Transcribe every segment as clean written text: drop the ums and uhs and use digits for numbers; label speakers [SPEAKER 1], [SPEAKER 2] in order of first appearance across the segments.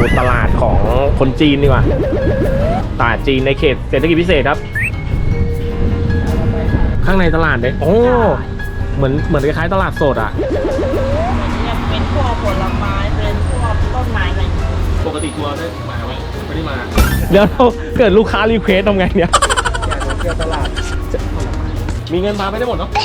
[SPEAKER 1] ตลาดของคนจีนดีกว่าตลาดจีนในเขตเศรษฐกิจพิเศษครับข้างในตลาดเนี่ยโอ้เหมือนคล้ายๆตลาดสดอ่ะ
[SPEAKER 2] เนี่ยเป็นพวกผลไม้เป็นพวกต้นไม้อะไร
[SPEAKER 1] ปกติทัวร์ได้มาไหมไม่ได้มาเดี๋ยวเราเกิดลูกค้ารีเควสทำไงเนี่ยอยากจะเที่ยวตลาดมีเงินมาไม่ได้หมดเนาะ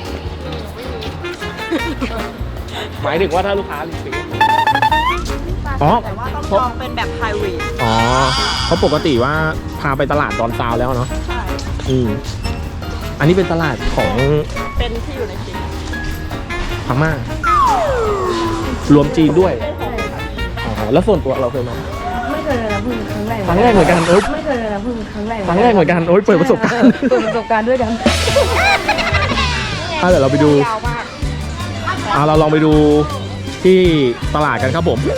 [SPEAKER 1] หมายถึงว่าถ้าลูกค้ารีเควสอ๋อ
[SPEAKER 2] แต่ว่าต้องจองเป็นแบบ private
[SPEAKER 1] อ๋อเพราะปกติว่าพาไปตลาดดอนซาวแล้วเนาะ
[SPEAKER 2] ใช่
[SPEAKER 1] อันนี้เป็นตลาดของ
[SPEAKER 2] เป็นที่อยู่ในจีน
[SPEAKER 1] พม่ารวมจีนด้วยอ๋อแล้วส่วนตัวเราเคยมา
[SPEAKER 3] ไม่เคยเลยนะเพิ่งครั้งแรก
[SPEAKER 1] เหมือนกัน
[SPEAKER 3] ไม่เคยเลยนะเพิ่งครั้งแรก
[SPEAKER 1] เหมือนกันโอ้ยเปิดประสบการณ์
[SPEAKER 3] ด้วยกัน
[SPEAKER 1] เดี๋ยวเราไปดูเราลองไปดูที่ตลาดกันครับผม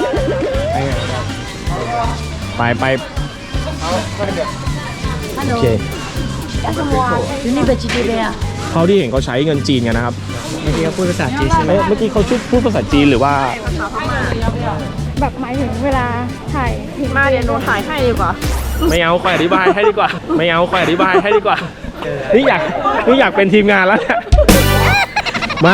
[SPEAKER 1] ไปโอเค
[SPEAKER 3] นี่เป็นจีนเลยอ่ะ
[SPEAKER 1] เขาที่เห็นเขาใช้เงินจีนกันนะครับเมื่อกี้เขาพูดภาษาจีนใช่ไหมเมื่อกี้เขาพูดภาษาจีนหรือว่า
[SPEAKER 3] แบบหมายถึงเวลาถ่าย
[SPEAKER 2] มาเดี๋ยวหนูถ่ายให้ดีกว่า
[SPEAKER 1] ไม่เอาคอยอธิบายให้ดีกว่านี่อยากเป็นทีมงานแล้วเนี่ยมา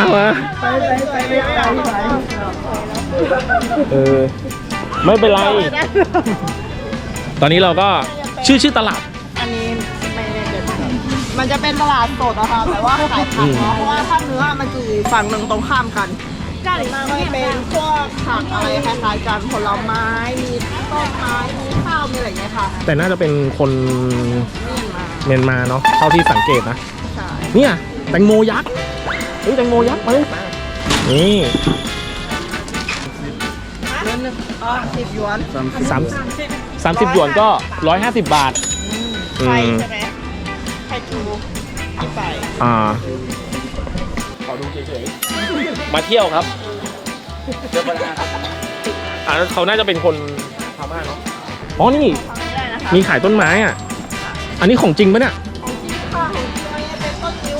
[SPEAKER 1] ไม่เป็นไรตอนนี้เราก็ชื่อตลาด
[SPEAKER 2] อันนี้ไม่แน่ใจมันจะเป็นตลาดสดนะคะแต่ว่าขายผักเนาะเพราะว่าถ้าเนื้อมันจะอยู่ฝั่งหนึ่งตรงข้ามกันก็เป็นพวกผักอะไรคล้ายๆกันผลไม้มีต้นไม้มีข้าวมีอะไรอย่างเงี้ยค่ะ
[SPEAKER 1] แต่น่าจะเป็นคนเมียนมาเนาะเท่าที่สังเกตนะ
[SPEAKER 2] ใช่
[SPEAKER 1] เนี่ยแตงโมยักษ์แตงโมยักษ์มาเลยนี่
[SPEAKER 2] 10 หยวน
[SPEAKER 1] 30 หยวนก็150 บาท
[SPEAKER 2] ไข่ใช่ไหมไข่จูไป
[SPEAKER 1] ขอดูเฉยๆมาเที่ยวครับเขาน่าจะเป็นคนพม่าเนาะอ๋อนี่มีขายต้นไม้อ่ะอันนี้ของจริงปะเนี่ย
[SPEAKER 2] ของจริงค่ะเป็นต้นนิ้ว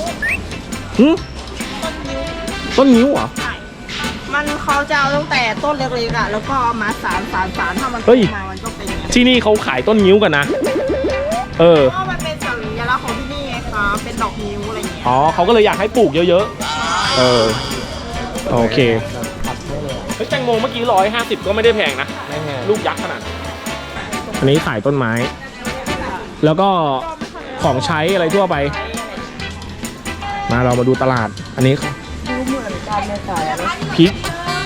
[SPEAKER 1] ต้นนิ้วเหรอ
[SPEAKER 2] มันเขาจะเอาตั้งแต่ต้นเล็กๆอ่ะแล้วก็มาสารถ้ามันโตมามันก็เป็น
[SPEAKER 1] ที่นี่เขาขายต้นนิ้วกันนะ
[SPEAKER 2] เพราะมันเป็นสัญลักษณ์ของที่นี่ไงคะเป็นดอกนิ้วอะไรอย่างเงี้ย
[SPEAKER 1] อ๋อเขาก็เลยอยากให้ปลูกเยอะๆโอเคแตงโมเมื่อกี้150ก็ไม่ได้แพงนะลูกยักษ์ขนาดอันนี้ขายต้นไม้แล้วก็ของใช้อะไรทั่วไปมาเรามาดูตลาดอันนี้
[SPEAKER 3] ดูเหมือนกันเลยขาย
[SPEAKER 1] พริก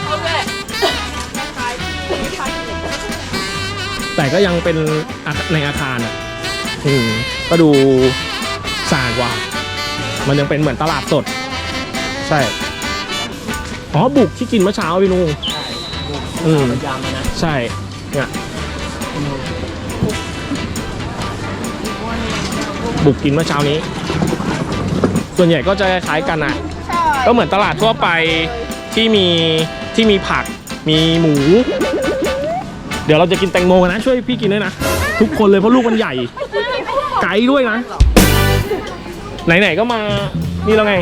[SPEAKER 1] แต่ก็ยังเป็นในอาคารอ่ะก็ดูสะอาดกว่ามันยังเป็นเหมือนตลาดสดใช่บุกที่กินเมื่อเช้าพี่นุ่งใช่เนี่ยบุกกินเมื่อเช้านี้ส่วนใหญ่ก็จะคล้ายกันอ่ะก็เหมือนตลาดทั่วไปที่มีผักมีหมูเดี๋ยวเราจะกินแตงโมกันนะช่วยพี่กินด้วยนะทุกคนเลยเพราะลูกมันใหญ่ไกลด้วยนะไหนๆก็มานี่แล้วไง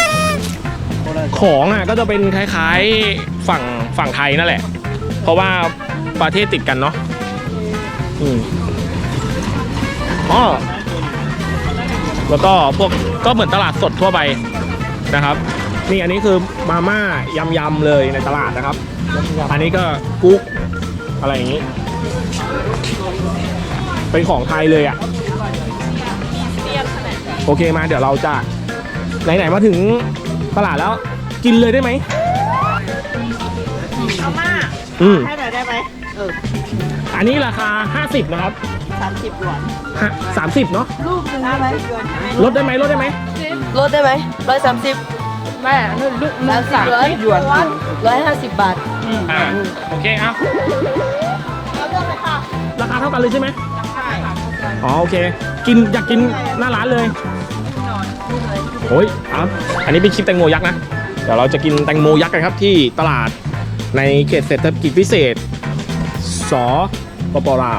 [SPEAKER 1] ของอ่ะก็จะเป็นคล้ายๆฝั่งไทยนั่นแหละเพราะว่าประเทศติดกันเนาะแล้วก็พวกก็เหมือนตลาดสดทั่วไปนะครับนี่อันนี้คือมาม่ายำเลยในตลาดนะครับอันนี้ก็กุ๊กอะไรอย่างนี้เป็นของไทยเลยอ่ะโอเคมาเดี๋ยวเราจะไหนๆมาถึงตลาดแล้วกินเลยได้ไหม
[SPEAKER 2] เอามาให้หน่อยได้ไหม
[SPEAKER 1] อันนี้ราคา50นะครับ
[SPEAKER 2] 30 หยวน
[SPEAKER 1] 30เนาะ
[SPEAKER 3] ลูกนึงได้ไหม
[SPEAKER 1] ลดได้ไหม
[SPEAKER 3] 130แม่ลูก30 หยวน150 บาท
[SPEAKER 1] โอเคเอา
[SPEAKER 2] แล้วเลือกเลยค่ะ
[SPEAKER 1] ราคาเท่ากันเลยใช่ไหม
[SPEAKER 2] ใช่
[SPEAKER 1] โอเคอยากกินหน้าร้านเลยโอ้ยอันนี้เป็นคลิปแตงโมยักษ์นะเดี๋ยวเราจะกินแตงโมยักษ์กันครับที่ตลาดในเขตเศรษฐกิจพิเศษสปป.ลาว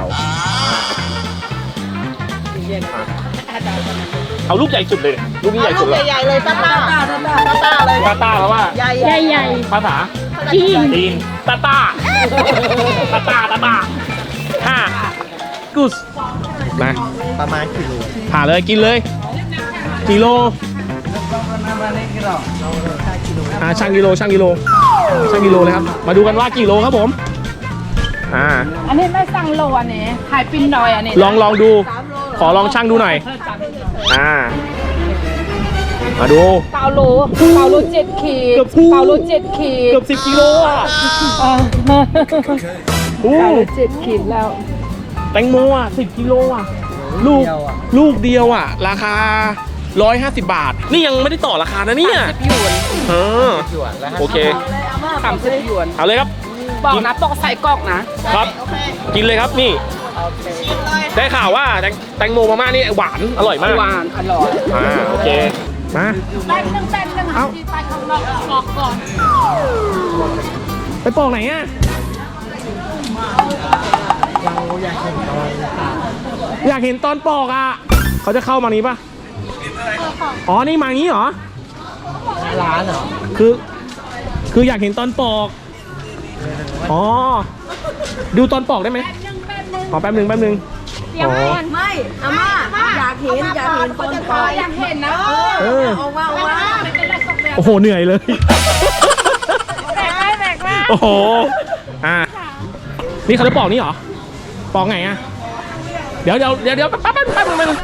[SPEAKER 1] เอาลูกใหญ่สุดเลยลูกนี้ใหญ่สุดเลย
[SPEAKER 2] ใหญ่เลยตาเลย
[SPEAKER 1] เพราะว่า
[SPEAKER 2] ใหญ่
[SPEAKER 1] ภาษาจีนตากุสมา
[SPEAKER 4] ประมาณกิโล
[SPEAKER 1] ผ่าเลยกินเลยกิโลช่างกิโลเลยครับมาดูกันว่ากี่โลครับผม
[SPEAKER 3] อันนี้ไม่สั่งโลอันนี้ขายปิ้นดอยอันนี้
[SPEAKER 1] ลองดูขอลองช่างดูหน่อยมาดู
[SPEAKER 3] เกาโล7 ขีด
[SPEAKER 1] เกือบคู่
[SPEAKER 3] เกาโล7 ขีด
[SPEAKER 1] เกือบ10 กิโลอ่ะ
[SPEAKER 3] เกาโล7 ขีดแล้ว
[SPEAKER 1] แตงโมอ่ะ10 กิโลอ่ะลูกเดียวอ่ะราคา150 บาทนี่ยังไม่ได้ต่อราคานะเนี่ย
[SPEAKER 3] 30 หยวน
[SPEAKER 1] โอเค
[SPEAKER 3] 30 หยวน
[SPEAKER 1] เอาเลยครับ
[SPEAKER 3] บอกนะต้องใส่กรอกนะครับ
[SPEAKER 1] กินเลยครับนี่ได้ข่าวว่าแตงโมมาม่านี่หวานอร่อยมาก
[SPEAKER 3] หวานอร่อย
[SPEAKER 1] โอเคมา
[SPEAKER 3] แป้งนึงที่ไปข้างนอกกรอกก่อน
[SPEAKER 1] ไปปอกไหนอ่ะอยากเห็นตอนปอกอ่ะเขาจะเข้ามานี้ปะอ๋อนี่มางี้เหรอ
[SPEAKER 4] ร้านเหรอ
[SPEAKER 1] คืออยากเห็นตอนปอกอ๋อดูตอนปอกได้ไหมขอแป๊บนึงอ๋อ
[SPEAKER 2] ไม่อาม่าอยากเห็นคนจะทาย
[SPEAKER 3] อยากเห็นนะ
[SPEAKER 1] เออ
[SPEAKER 2] ออกมา
[SPEAKER 1] โอ้โหเหนื่อยเลย
[SPEAKER 3] แบกไว้
[SPEAKER 1] โอ้โหนี่เขาจะปอกนี่เหรอปอกไงอ่ะเดี๋ยวแป๊บนึง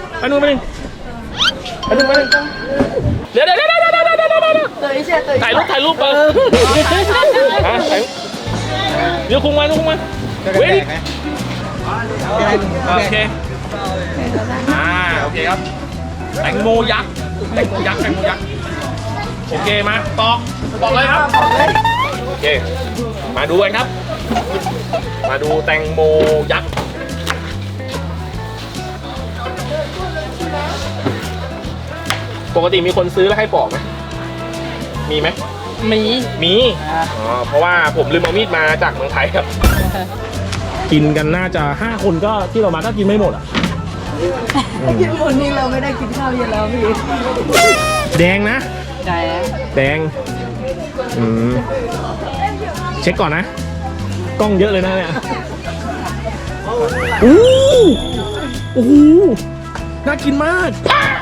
[SPEAKER 1] เดี๋ยวถ่ายรูปเดี๋ยวคุงมาเว้ยโอเคโอเคครับแตงโมยักษ์โอเคมาปอกเลยครับโอเคมาดูกันครับมาดูแตงโมยักษ์ปกติมีคนซื้อแล้วให้ปอกไหมมีไหมมีเพราะว่าผมลืมเอามีดมาจากเมืองไทยครับกินกันน่าจะ5 คนก็ที่เรามาก็กินไม่หมดอ่ะ
[SPEAKER 2] กินหมดนี้เราไม่ได้กินข้าวเย็นแล้วพี่
[SPEAKER 1] แดงนะ
[SPEAKER 3] แดง
[SPEAKER 1] เช็คก่อนนะกล้องเยอะเลยนะเนี่ยโอ้โหน่ากินมาก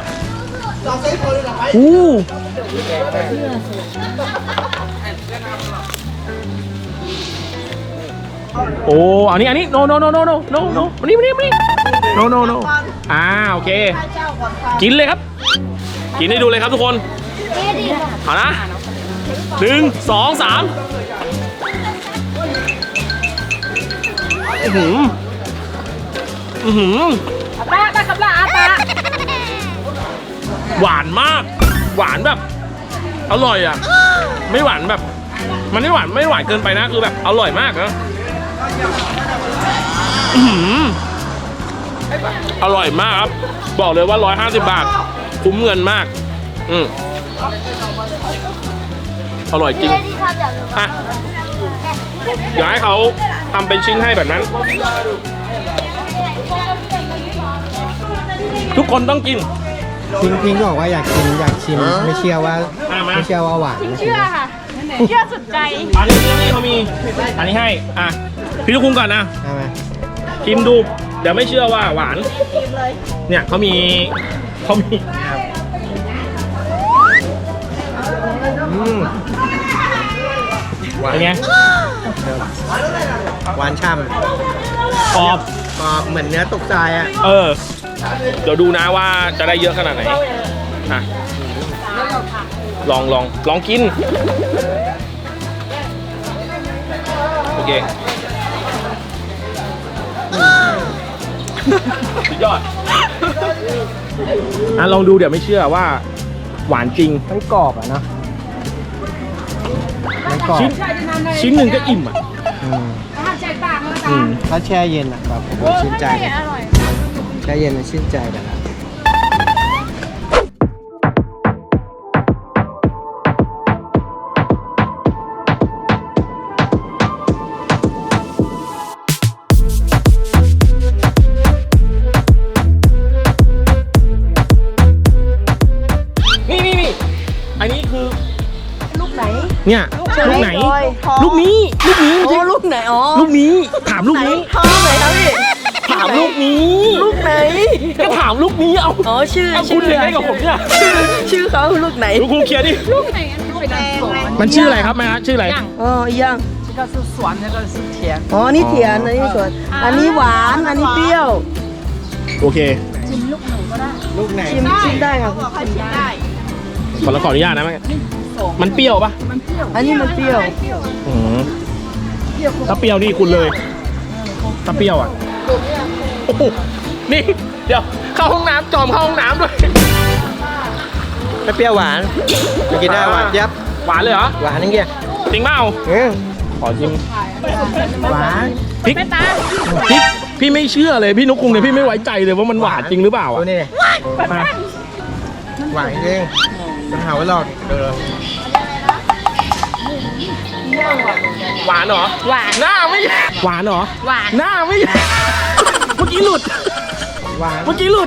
[SPEAKER 1] โอ้อันนี้ no มานี่no โอเคกินเลยครับกินให้ดูเลยครับทุกคนเอานะ1 2 3หวานมากหวานแบบอร่อยอ่ะไม่หวานแบบมันไม่หวานเกินไปนะคือแบบอร่อยมากนะอร่อยมากครับบอกเลยว่า150 บาทคุ้มเงินมากอร่อยจริงอ่ะอยากให้เขาทำเป็นชิ้นให้แบบนั้นทุกคนต้องกิน
[SPEAKER 4] พิงบอกว่าอยากชิมไม่เชื่อว่าหวาน
[SPEAKER 3] เชื่อค่ะเชื่อสุดใจ
[SPEAKER 1] อันนี้เขามีอันนี้ให้พี่ลูกคุ้งก่อนนะชิมดูเดี๋ยวไม่เชื่อว่าหวานเนี่ยเขามีหวานไง
[SPEAKER 4] หวานช่ำ
[SPEAKER 1] กรอบ
[SPEAKER 4] เหมือนเนื้อตกทรายอ่ะ
[SPEAKER 1] เดี๋ยวดูนะว่าจะได้เยอะขนาดไหนลองกินโอเคสุดยอดลองดูเดี๋ยวไม่เชื่อว่าหวานจริง
[SPEAKER 4] มันกรอบอ่ะเนาะมันกรอบ
[SPEAKER 1] ชิ้นหนึ่งก็อิ่ม
[SPEAKER 4] ถ้าแช่เย็นอ่ะแบบชื่นใจแช่เย็นมันชื่นใจแบบนั้น
[SPEAKER 1] นี่อันนี้คือ
[SPEAKER 2] ลูกไหน
[SPEAKER 1] เนี่ยลูกไหนลูกนี้ไม่ใช่
[SPEAKER 2] ลูกไหนลูกนี้
[SPEAKER 1] ถามลูกนี้
[SPEAKER 2] ท้องไหนครับพี่
[SPEAKER 1] ทถามลูกนี้
[SPEAKER 3] ลูกไหน
[SPEAKER 1] ก็ถามลูกนี้เอา
[SPEAKER 3] อ๋อชื่อ
[SPEAKER 1] เอาคุณยังไงกับผมเนี่ย
[SPEAKER 3] ชื่อเขาลูกไหน
[SPEAKER 1] ลูกครูเคลียร์ดิ
[SPEAKER 2] แดง
[SPEAKER 1] มันชื่ออะไรครับแม่ฮะชื่ออะไร
[SPEAKER 3] อ๋ออีกอย่าง
[SPEAKER 2] 这个是酸，那个是甜。
[SPEAKER 3] อ๋อนี่เถียนอันนี้สวนอันนี้หวานอันนี้เปรี้ยว
[SPEAKER 1] โอเค
[SPEAKER 4] ลูกไหน
[SPEAKER 3] ชิมได้ครับ
[SPEAKER 2] เขาบอกให้ชิมได้
[SPEAKER 1] ขออนุญาตนะแม่มันเปรี้ยวปะ
[SPEAKER 3] อันนี้มันเปรี้ยว
[SPEAKER 1] อืมถ้าเปรี้ยวนี่คุณเลยถ้าเปรี้ยวอ่ะโอ้โหนี่เดี๋ยวเข้าห้องน้ำจอมเข้าห้องน้ำด้วย
[SPEAKER 4] ไม่เปรี้ยวหวานไม่กินได้หวานยับ
[SPEAKER 1] หวานเลยเหรอ
[SPEAKER 4] หวานนั่นเงี้ย
[SPEAKER 1] จริงเปล่า ขอชิม
[SPEAKER 4] หวาน
[SPEAKER 1] พริกพี่ไม่เชื่อเลยพี่นุกคุงเนี่ยพี่ไม่ไว้ใจเลยว่ามันหวานจริงหรือเปล่า
[SPEAKER 4] ตัว
[SPEAKER 1] อ่ะ
[SPEAKER 4] นี้เนี่ย
[SPEAKER 1] มา
[SPEAKER 4] หวานจริงจะหาว่าหลอกเดี๋ยว
[SPEAKER 1] หวานเหรอ
[SPEAKER 2] หวาน
[SPEAKER 1] หน้าไม่หวานเหรอ
[SPEAKER 2] หวาน
[SPEAKER 1] หน้าไม่เมื่อกี้หลุด
[SPEAKER 4] หวาน
[SPEAKER 1] เมื่อกี้หลุด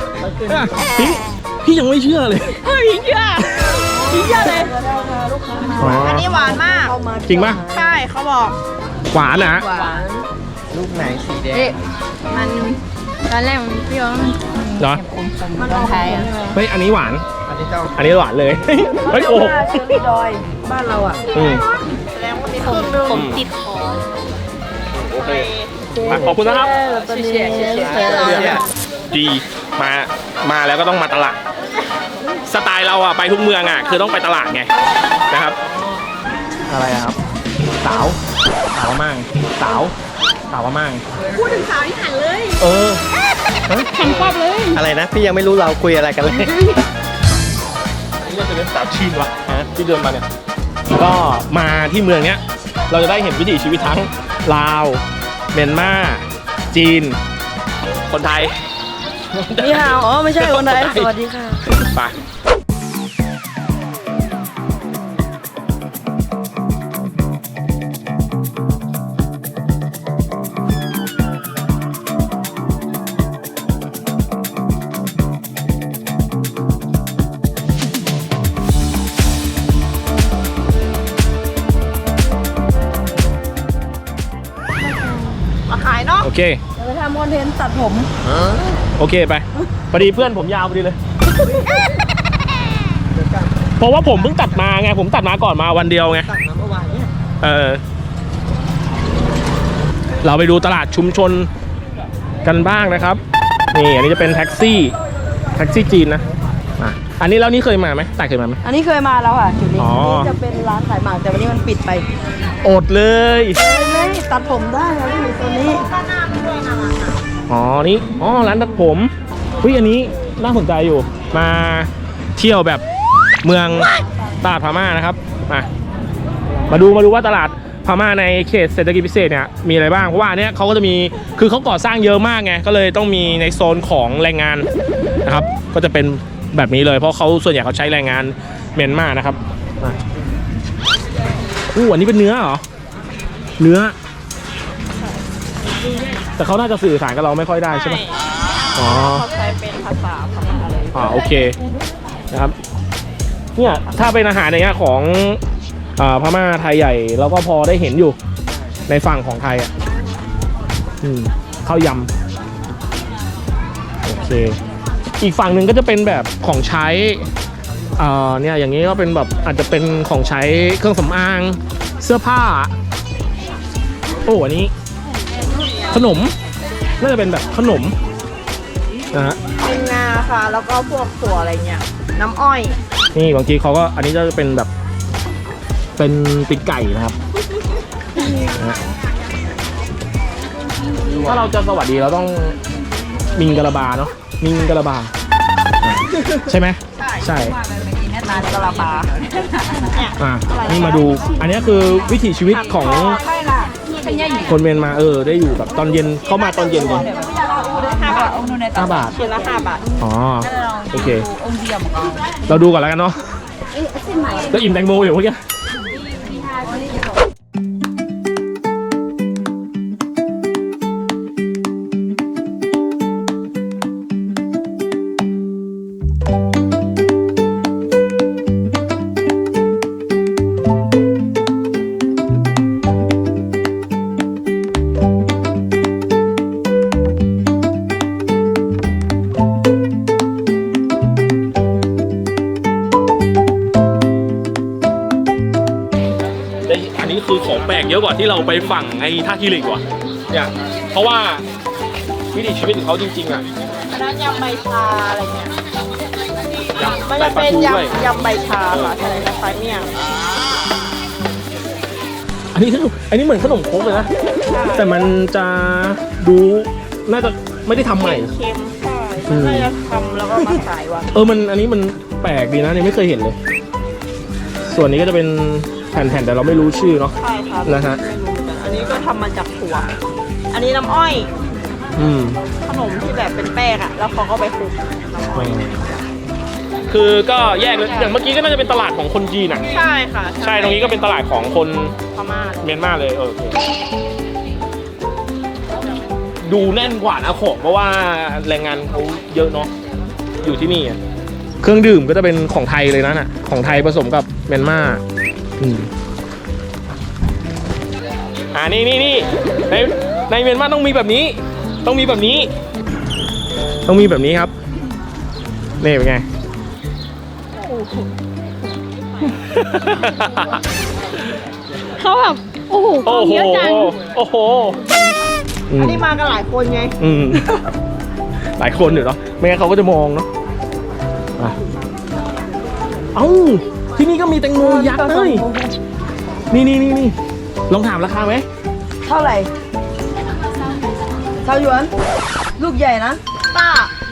[SPEAKER 1] พี่ยังไม่เชื่อเลย
[SPEAKER 2] เฮ้ยเชื่อพี่เชื่อเลย
[SPEAKER 1] อ๋อ
[SPEAKER 2] อันนี้หวานมาก
[SPEAKER 1] จริงปะ
[SPEAKER 2] ใช่เขาบอก
[SPEAKER 1] หวานนะ
[SPEAKER 2] หวาน
[SPEAKER 4] ลูกไหนสีแดง
[SPEAKER 2] มันตอนแรกมันเปรี้ยวแล้วมัน
[SPEAKER 1] เหรอ
[SPEAKER 2] มันออกไทยอ่ะ
[SPEAKER 1] เฮ้ยอันนี้หวาน
[SPEAKER 4] อันนี้ต้อง
[SPEAKER 1] อันนี้หวานเลย เฮ้ยโอ้โห
[SPEAKER 3] เชอรี่ดอยบ้านเราอ่ะ
[SPEAKER 1] อืม
[SPEAKER 2] แสดงว่ามีครึ่งนึงผมติดคอ
[SPEAKER 1] โอเคขอบคุณนะครับ
[SPEAKER 2] เชี่ย
[SPEAKER 4] เนี่ย
[SPEAKER 1] ดีมาแล้วก็ต้องมาตลาดสไตล์เราอะไปทุกเมืองอะคือต้องไปตลาดไงนะครับ อะไรอะครับสาวพม่างสาวพม่าง
[SPEAKER 2] พูดถึงสาวที่หันเลย
[SPEAKER 1] เออ
[SPEAKER 2] แข่งควบเลย
[SPEAKER 4] อะไรนะ พี่ยังไม่รู้เราคุยอะไรกันเลย
[SPEAKER 1] อันนี้จะเป็นสาวจีนวะฮะที่เดินมาเนี่ยก็มาที่เมืองเนี้ยเราจะได้เห็นวิถีชีวิตทั้งลาวเมียนมาจีน คนไทย
[SPEAKER 3] นี่ฮาวอ๋อไม่ใช่คนไทยสวัสดีค่ะ
[SPEAKER 1] ไป
[SPEAKER 2] มาขายเนาะ
[SPEAKER 1] โอเค
[SPEAKER 3] เดี๋ยวไปทำคอนเทนต์ตัดผม
[SPEAKER 1] โอเคไปพอดีเพื่อนผมยาวพอดีเลย เพราะว่าผมเพิ่งตัดมาไงผมตัดมาก่อนมาวันเดียวไง
[SPEAKER 4] ตัดมาเมื่อวานเนี่ย
[SPEAKER 1] เราไปดูตลาดชุมชนกันบ้างนะครับ นี่อันนี้จะเป็นแท็กซี่จีนนะอ่ะอันนี้แล้วนี่เคยมาไหมแต่เคยมาไหม
[SPEAKER 3] อันนี้เคยมาแล้วค่ะจุดนี้
[SPEAKER 1] อ๋อ
[SPEAKER 3] นี่จะเป็นร้านขายหมากแต่วันนี้มันปิดไป
[SPEAKER 1] อดเลย
[SPEAKER 3] ไม่ตัดผมได้ครับที่ตัวนี้
[SPEAKER 1] อ๋อนี่อ๋อร้านตัดผมเฮ้ยอันนี้น่าสนใจอยู่มาเที่ยวแบบเมืองตลาดพม่านะครับมาดูว่าตลาดพม่าในเขตเศรษฐกิจพิเศษเนี่ยมีอะไรบ้างเพราะว่าอันเนี้ยเขาก็จะมีคือเขาก่อสร้างเยอะมากไงก็เลยต้องมีในโซนของแรงงานนะครับก็จะเป็นแบบนี้เลยเพราะเขาส่วนใหญ่เขาใช้แรงงานเมียนมานะครับอันนี้เป็นเนื้อเหรอเนื้อแต่เขาน่าจะสื่อสารกับเราไม่ค่อยได้ใช่ไหมอ๋อ
[SPEAKER 2] เขาใช้เป็นภาษาพม่าเลย
[SPEAKER 1] โอเคนะครับเนี่ยถ้าเป็นอาหารอย่างเงี้ยของพม่าไทยใหญ่เราก็พอได้เห็นอยู่ในฝั่งของไทยอ่ะข้าวยำโอเคอีกฝั่งหนึ่งก็จะเป็นแบบของใช้เนี่ยอย่างนี้ก็เป็นแบบอาจจะเป็นของใช้เครื่องสำอางเสื้อผ้าโอ้อันนี้ขนมน่าจะเป็นแบบขนมนะฮะ
[SPEAKER 2] เป็นงาค่ะ แล้วก็พวกถั่วอะไรเงี้ย น้ำอ้อย
[SPEAKER 1] นี่บางทีเขาก็อันนี้จะเป็นแบบเป็นปีกไก่นะครับนะฮะถ้าเราจะสวัสดีเราต้องมิงกะลาบาเนาะมิงกะลาบาใช่ไหมใช่
[SPEAKER 2] นานกะลาปา
[SPEAKER 1] นี่มาดูอันนี้คือวิถีชีวิตของคนเมียนมาได้อยู่แบบตอนเย็นเข้ามาตอนเย็นเลย5 บาท
[SPEAKER 2] ชิ้นละ5 บาท
[SPEAKER 1] อ๋อโอเคเราดูก่อนแล้วกันเนาะก็อิ่มแตงโมอยู่เมื่อกี้ว่าที่เราไปฝั่งไอ้ท่าขี้เหล็กว่ะเนี่ยเพราะว่าวิถีชีวิตของเขาจริงๆอ่ะ
[SPEAKER 2] อันนั้นยำใบชาอะไรเงี้ย
[SPEAKER 1] ยำ
[SPEAKER 2] มัน
[SPEAKER 1] ใส่
[SPEAKER 2] จะ
[SPEAKER 1] ปลา
[SPEAKER 2] เป็น
[SPEAKER 1] ทูด้วย
[SPEAKER 2] ยำใบชาค่ะใช่คล้ายๆเมี่ยง
[SPEAKER 1] อันนี้เหมือนขนมครกเลยนะ แต่มันจะดูน่าจะไม่ได้ทำใหม่
[SPEAKER 2] เค็มใช่น่าจะทำแล้วก็มาขายวัน
[SPEAKER 1] อันนี้มันแปลกดีนะเนี่ยไม่เคยเห็นเลย ส่วนนี้ก็จะเป็นแผ่นๆแต่เราไม่รู้ชื่อเนาะ
[SPEAKER 2] ใช่ครับ
[SPEAKER 1] นะฮะ
[SPEAKER 2] ไม่รู้เหมือนกันอันนี้ก็ทำมาจากถั่ว อันนี้น้ำอ้อย
[SPEAKER 1] อืม
[SPEAKER 2] ขนมที่แบบเป็นแป้งอ่ะ แล้วเขาก็ไปคลุกน้ำอ้อย
[SPEAKER 1] คือก็แยกเลยอย่างเมื่อกี้ก็น่าจะเป็นตลาดของคนจีนอ่ะ
[SPEAKER 2] ใช่ค่ะ
[SPEAKER 1] ใช่ตรงนี้ก็เป็นตลาดของคน
[SPEAKER 2] พม่า
[SPEAKER 1] เมียนมาเลยโอเคดูแน่นกว่านะของเพราะว่าแรงงานเขาเยอะเนาะอยู่ที่นี่อะเครื่องดื่มก็จะเป็นของไทยเลยนะน่ะของไทยผสมกับเมียนมานี่ในเมียนมาต้องมีแบบนี้ ต้องมีแบบนี้ครับนี่เป็นไง
[SPEAKER 3] เขาแบบโอ้โหของเยอะจัง
[SPEAKER 1] โอ้โห
[SPEAKER 2] อันนี้มากันหลายคนไง
[SPEAKER 1] หลายคนอยู่เนาะไม่งั้นเขาก็จะมองเนาะอ่ะเอ้าที่นี่ก็มีแตงโมยักษ์เลยนี่ลองถามราคาไหม
[SPEAKER 3] เท่าไหร่เท่าหยวน ลูกใหญ่นะ
[SPEAKER 2] ป้า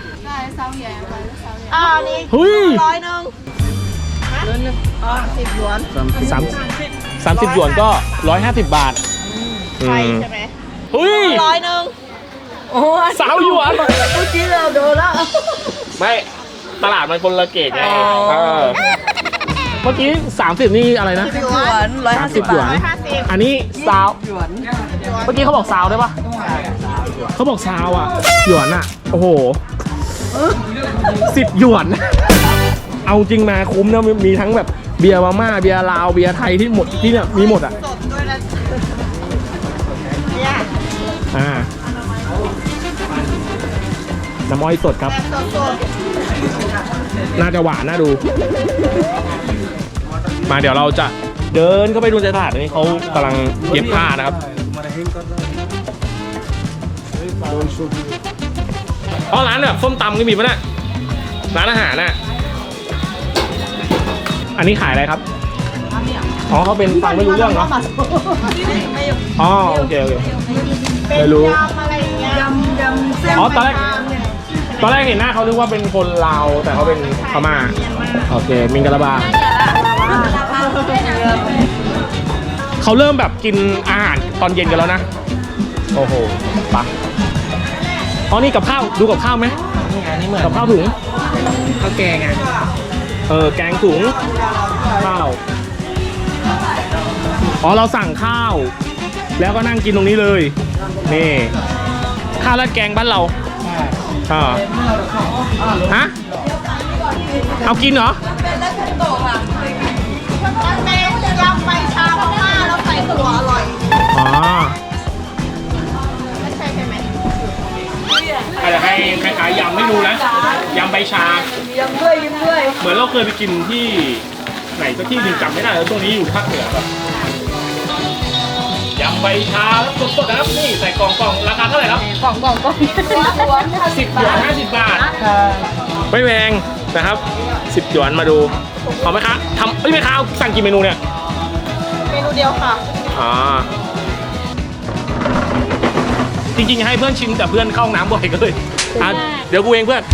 [SPEAKER 2] อันนี้
[SPEAKER 1] เฮ้ย
[SPEAKER 2] 100 นึง10 หยวน
[SPEAKER 1] 30หยวนก็150 บาท
[SPEAKER 2] ไทยใช่ไหม
[SPEAKER 1] เฮ้ย
[SPEAKER 2] 100 นึง
[SPEAKER 3] โอ้ย
[SPEAKER 1] 3 หยวน
[SPEAKER 3] เมื่อกี้เราโดนแล้ว
[SPEAKER 1] ไม่ตลาดมันคนละเกตไง
[SPEAKER 3] อ๋อ
[SPEAKER 1] เมื่อกี้30นี่อะไรนะ
[SPEAKER 2] 10 หย
[SPEAKER 3] หย
[SPEAKER 2] วน
[SPEAKER 3] วน150
[SPEAKER 1] หยวน
[SPEAKER 3] บาท
[SPEAKER 2] 150
[SPEAKER 1] อันนี้ซาว
[SPEAKER 3] หยวน
[SPEAKER 1] เมื่อกี้เขาบอกซาวได้ปะเขาบอกซาวอ่ะหยวนอ่ะโอ้โห10 หยวน เอาจริงมาคุ้มนะมีทั้งแบบเบียร์มาม่าเบียร์ลาวเบียร์ไทยที่หมดที่เนี่ยมีหมดอ่ะ
[SPEAKER 2] สดด้วยนะเนี่ย
[SPEAKER 1] น้ำอ้อยสดครับ
[SPEAKER 2] แบบสด
[SPEAKER 1] น่าจะหวานน่าดู มาเดี๋ยวเราจะเดินเข้าไปดูในตลาดนี้เขากำลังเย็บผ้านะครับอ๋อร้านแบบส้มตำก็มีปะเนี่ยร้านอาหารน่ะอันนี้ขายอะไรครับอ๋อเขาเป็นฟังไม่รู้เรื่องเนาะอ๋อโอเค
[SPEAKER 2] ๆเป็น
[SPEAKER 1] ไม่รู้
[SPEAKER 2] ยำอะไรอย่างเงี้ย
[SPEAKER 3] ยำเส้น
[SPEAKER 1] อ๋อตอนแรกเห็นหน้าเขานึกว่าเป็นคนลาวแต่เขาเป็นพม่าโอเคมิงกะลาบาเขาเริ่มแบบกินอาหารตอนเย็นกันแล้วนะโอ้โหปะอ๋อนี่กับข้าวดูกับข้าวไหม
[SPEAKER 4] นี่เหมือน
[SPEAKER 1] กับข้าวถุง
[SPEAKER 4] ข้าวแกงอ่ะ
[SPEAKER 1] แกงถุงข้าวอ๋อเราสั่งข้าว แล้วก็นั่งกินตรงนี้เลยนี่ข้าวราดแกงบ้านเราฮะเอากินเหรอ
[SPEAKER 2] มันเป็นยำใบชาพม่าแล้วใส่ถั่วอร่อย
[SPEAKER 1] อ๋อ
[SPEAKER 2] ไม่ใช่ใช่ไหม
[SPEAKER 1] อาจจะให้คล้ายๆยำไม่รู้นะยำใบชา
[SPEAKER 3] ยำด้วยยำด้วย
[SPEAKER 1] เหมือนเราเคยไปกินที่ไหนสักที่หนึ่งจำไม่ได้แล้วช่วงนี้อยู่ภาคเหนือแบบยำใบชาแล้วสดๆนะครับนี่ใส่กล่องราคาเท่าไหร่ครับ
[SPEAKER 3] กล่อง
[SPEAKER 1] 10 หยวน50 บาทไม่แพงนะครับ10 หยวนมาดูเอาไหมคะไม่ค้าสั่งกี่เมนูเนี่ย
[SPEAKER 2] เมนูเดียวค่ะ
[SPEAKER 1] อ๋อจริงๆให้เพื่อนชิมแต่เพื่อนเข้าห้องน้ำบ่อยก็เลยเดี๋ยวกูเองเพื่อน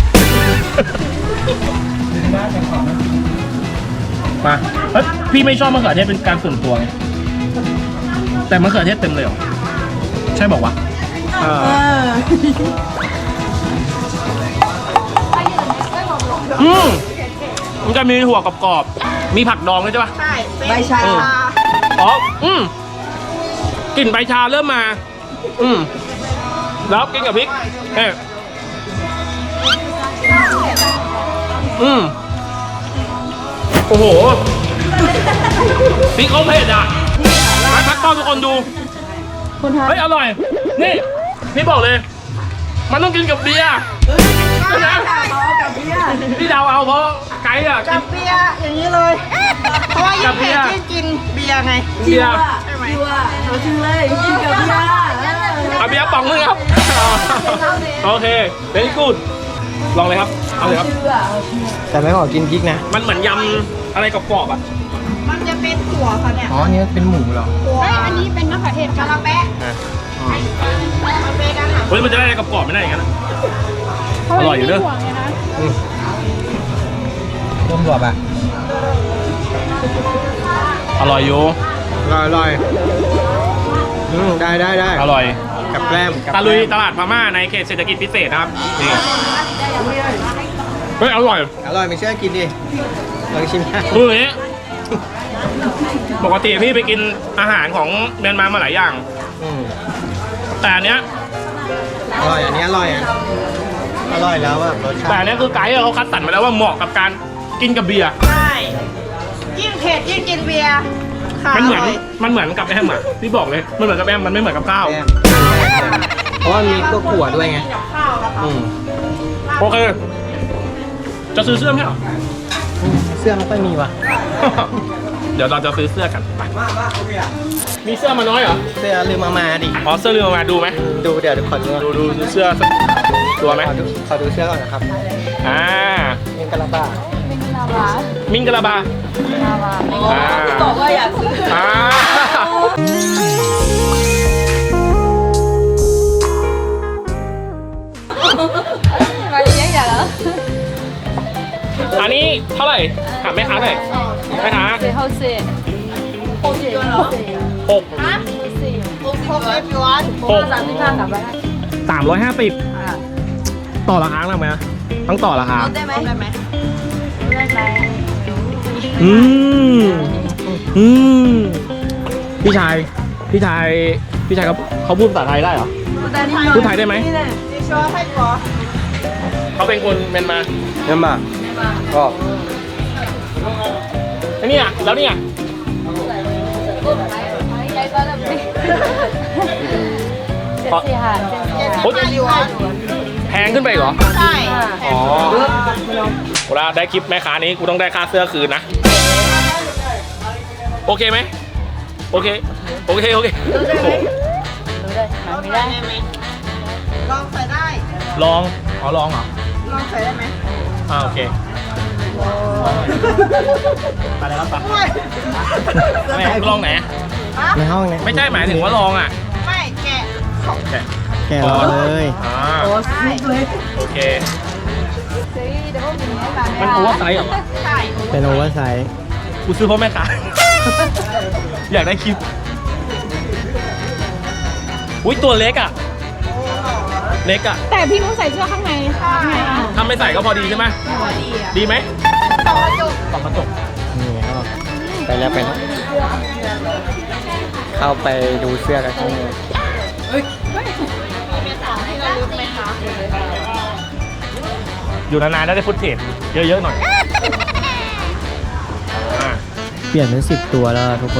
[SPEAKER 1] มาเฮ้ยพี่ไม่ชอบมะเขือเทศเป็นการส่วนตัวไงแต่มะเขือเทศเต็มเลยเหรอใช่บอกว่ามันจะมีหัวกรอบๆมีผักดองด้วยใช่ปะ
[SPEAKER 2] ใช่เป็น
[SPEAKER 3] ใบชา
[SPEAKER 1] อ๋อกลิ่นใบชาเริ่มมาแล้วกินกับพริกโอ้โหพริกเขาเผ็ดอ่ะพักกล้องทุกคนดู
[SPEAKER 3] คนไทย
[SPEAKER 1] เฮ้ยอร่อยนี่พี่บอกเลย มันต้องกินกับเบียร์พี่เดาเอาเพราะไกด์อ่ะ
[SPEAKER 2] กับเบียร์อย่างนี้เลย เพราะว่ายิ่งเผ็ดยิ่งกินเบียร์ไง
[SPEAKER 1] เบียร์
[SPEAKER 2] ใช่ไหม
[SPEAKER 3] เอาชื่อเลยกินกับเบียร์
[SPEAKER 1] เอาเบียร์ป๋องนึงครับ โอเคเ very good ลองเลยครับ เอาเลยครับ
[SPEAKER 4] แต่ไม่ขอกินพริกนะ
[SPEAKER 1] มันเหมือนยำอะไรกรอบๆอ่ะ
[SPEAKER 2] มันจะเป็นถั่วค่ะเนี่ย
[SPEAKER 4] อ๋อนี่เป็นหมูเหรอ
[SPEAKER 2] ถั่วอันนี้เป็นมะเขือเทศกะละแปะ
[SPEAKER 4] อ่ะ
[SPEAKER 2] มันเป็นอาหาร
[SPEAKER 1] เฮ้ยมันจะได้อะไรกรอบๆไม่ได้อย่างนั้นอะอร่อยอยู่เด้อ
[SPEAKER 4] ต้มบวบอ่ะ
[SPEAKER 1] อร่อยอยู่
[SPEAKER 4] อร่อยได้
[SPEAKER 1] อร่อย
[SPEAKER 4] กับแกล้ม
[SPEAKER 1] ตะลุยตลาดพม่าในเขตเศรษฐกิจพิเศษนะครับนี่เฮ้ยอร่อย
[SPEAKER 4] อร่อยไม่เชื่อกินดิลองชิมนะ
[SPEAKER 1] คืออย่างนี้ปกติพี่ไปกินอาหารของเมียนมามาหลายอย่าง
[SPEAKER 4] อืม
[SPEAKER 1] แต่อันเนี้ย
[SPEAKER 4] อร่อยอันนี้อร่อยอ่ะอร่อยแล้วอ่ะรสชา
[SPEAKER 1] แต่
[SPEAKER 4] ติ
[SPEAKER 1] อันเนี้ยคือไกด์เขาคัดสรรมาแล้วว่าเหมาะกับการกินกับเบียร์
[SPEAKER 2] ใช่ยิ่งเผ็ดยิ่งกินเบียร์ค่ะ
[SPEAKER 1] มันเหมือน
[SPEAKER 2] ร่ย
[SPEAKER 1] มันเหมือนกับแอมอ่ะพี่บอกเลยมันเหมือนกับแอมมันไม่เหมือนกับข้าว
[SPEAKER 4] แกล้มเพราะว่ามีพวกขั่วด้วยไง
[SPEAKER 2] กับข้าวนะคะ
[SPEAKER 4] อืม
[SPEAKER 1] โอเค จะซื้อเสื้อไหมเหรอ
[SPEAKER 4] เสื้อไม่ค่อยมีว่ะ
[SPEAKER 1] เดี๋ยวเราจะซื้อเสื้อกันไปมีเสื้อมาน้อยเหรอ
[SPEAKER 4] เสื้อลืมเอามาดิ
[SPEAKER 1] อ๋อเสื้อลืมเอามาดูไหม
[SPEAKER 4] ดูเดี๋ยวขอดู
[SPEAKER 1] ดูเสื้อสักตัวไหม
[SPEAKER 4] ขอดูเสื้อก่อนนะครับ
[SPEAKER 1] อ่า
[SPEAKER 4] เป็นกะลาบ้า
[SPEAKER 1] มิงกะลาบา
[SPEAKER 3] บอกว่าอยากซื้อ
[SPEAKER 1] อ่าอันนี้เท่าไหร่ถามแม่ค้าหน่อยแม่ค้า
[SPEAKER 3] 最后是
[SPEAKER 1] หก
[SPEAKER 2] 6 0หยวน
[SPEAKER 1] หก
[SPEAKER 3] 35打败
[SPEAKER 1] 350ต่อราคาได้ไหมต้องต่อราคา
[SPEAKER 2] ได้ไหมได้ไหม
[SPEAKER 1] อืมอืมพี่ชายเขาพูดภาษาไทยได้เหรอ พูดไทยได้ไหม
[SPEAKER 2] 你说泰国
[SPEAKER 1] เขาเป็นคนเมียนมา
[SPEAKER 4] เงินมาก็
[SPEAKER 1] ไอ้เนี่ยแล้วเนี่ย
[SPEAKER 2] 75หยวน
[SPEAKER 1] แพงขึ้นไปเหรอ
[SPEAKER 2] ใช่แพ
[SPEAKER 1] อ๋
[SPEAKER 2] ง
[SPEAKER 1] อเวลาได้คลิปแม่ค้านี้กูต้องได้ค่าเสื้อคืนนะ โอเคไหมโอเคโอเคโอเคโอ้โห
[SPEAKER 2] ได้ไหมลองใส่ได้
[SPEAKER 1] ลองอ๋อลองเหรอ
[SPEAKER 2] ลองใส่ได้ไหม
[SPEAKER 1] โอเคไปเลยครับไป
[SPEAKER 2] ไม่
[SPEAKER 1] ไม่ลองไหน
[SPEAKER 2] ฮะ
[SPEAKER 4] ในห้องเนี่ย
[SPEAKER 1] ไม่ใช่หมายถึงว่าลองอ่ะ
[SPEAKER 2] ไม่แกะ
[SPEAKER 1] แกะ
[SPEAKER 4] แกะรอเลย
[SPEAKER 1] อ่า
[SPEAKER 2] ใช่
[SPEAKER 1] โอเคมันโอเวอร์ไซส์เหรอ
[SPEAKER 2] ใช่
[SPEAKER 4] เป็นโอเวอร์ไซส์
[SPEAKER 1] กูซื้อเพราะแม่ค้า อยากได้คลิปอุ้ยตัวเล็กอ่ะ เล็กอ่ะ
[SPEAKER 5] แต่พี่นุ้ใส่เสื้อข้างในไงอ่ะ
[SPEAKER 1] ถ้าไม่ใส่ก็พอดีใช่ไหม
[SPEAKER 2] พอดีอ่ะ
[SPEAKER 1] ดีไหม
[SPEAKER 2] ต่อจุก
[SPEAKER 1] ส่องกระจก
[SPEAKER 4] นี่ก็ไปแล้วเข้าไปดูเสื้อกันข้างใน
[SPEAKER 2] มีของที่ระลึกไหมคะ
[SPEAKER 1] อยู่นานๆได้ฟุตเทจเยอะๆหน่อยอ่า
[SPEAKER 4] เปลี่ยนเป็น10 ตัวแล้วทุกคน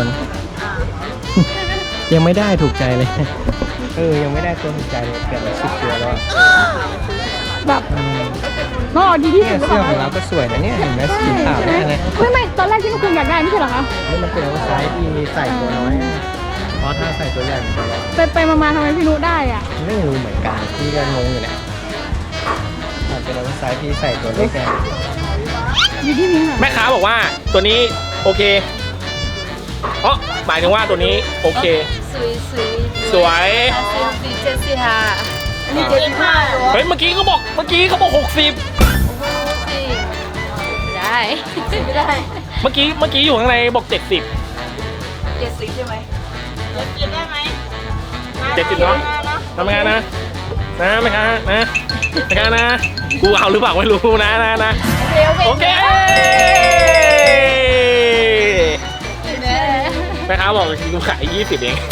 [SPEAKER 4] ยังไม่ได้ถูกใจเลย ยังไม่ได้ตัวถูกใจเลยเปลี่ยนเป็น10 ตัวแล้วอะ
[SPEAKER 5] แบบก็ดีที่
[SPEAKER 4] เนี่
[SPEAKER 5] สุ
[SPEAKER 4] ย
[SPEAKER 5] ด
[SPEAKER 4] เสื้อของเราก็สวยนะเนี่ยเห็นไหมสีขาวเนี่ยนะ
[SPEAKER 5] ไม่ตอนแรกที่คุณอยากได้ไม่ใช่เหรอคะ
[SPEAKER 4] นี่มันเป็นโอเวอร์ไซส์ที่ใส่ตัวน้อยเพราะถ้าใส่ตัวใหญ่มันจะร้อน
[SPEAKER 5] ไปมาทำไมพี่นุ้ได้อ่ะ
[SPEAKER 4] ไม่รู้เหมือนกันพี่ก็งงอยู่เนี่ยอาจเป็นโอเวอร์ไซส์ที่ใส่ตัวเล็กไง
[SPEAKER 5] อยู่ที่นี่ค่ะ
[SPEAKER 1] แม่ค้าบอกว่าตัวนี้โอเคอ๋อหมายถึงว่าตัวนี้โอเค สวย
[SPEAKER 2] อันนี้75หยวน
[SPEAKER 1] เฮ้ยเมื่อกี้เขาบอก60
[SPEAKER 3] ได้ไม่ได้
[SPEAKER 1] เมื่อกี้อยู่ข้างในบอก70
[SPEAKER 3] 70ใช่ไหม
[SPEAKER 2] จะกินได้ไหม
[SPEAKER 1] 70เนาะทำงานนะแม่ค้านะแม่ค้านะกูเอาหรือเปล่าไม่รู้นะโอเคแม่ค้าบอกกูขาย20เอง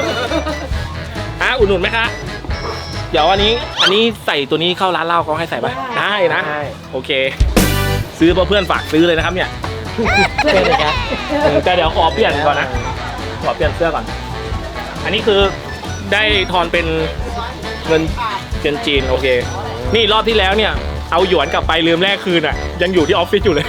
[SPEAKER 1] อุดหนุนไหมคะเดี๋ยวอันนี้ใส่ตัวนี้เข้าร้านเหล้าเขาให้ใส่ป่ะได้นะโอเค ซื้อเพราะเพื่อนฝากซื้อเลยนะครับเนี่ย
[SPEAKER 4] เสื้อเลยครับ
[SPEAKER 1] แต่เดี๋ยวขอเปลี่ยนก่อนนะขอเปลี่ยนเสื้อก่อน อันนี้คือได้ทอนเป็นเงินจีนโอเคนี่รอบที่แล้วเนี่ยเอาหยวนกลับไปลืมแลกคืนอ่ะยังอยู่ที่ออฟฟิศอยู่เลย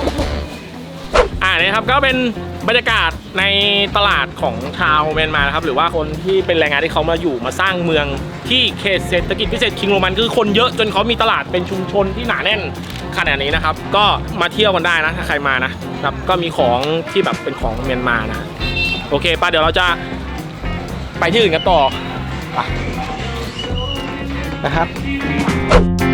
[SPEAKER 1] นี่ครับก็เป็นบรรยากาศในตลาดของชาวเมียนมานะครับหรือว่าคนที่เป็นแรงงานที่เขามาอยู่มาสร้างเมืองที่เขตเศรษฐกิจพิเศษคิงโรมันคือคนเยอะจนเขามีตลาดเป็นชุมชนที่หนาแน่นขนาดนี้นะครับก็มาเที่ยวกันได้นะถ้าใครมานะครับก็มีของที่แบบเป็นของเมียนมานะโอเคป่ะเดี๋ยวเราจะไปที่อื่นกันต่อไปนะครับ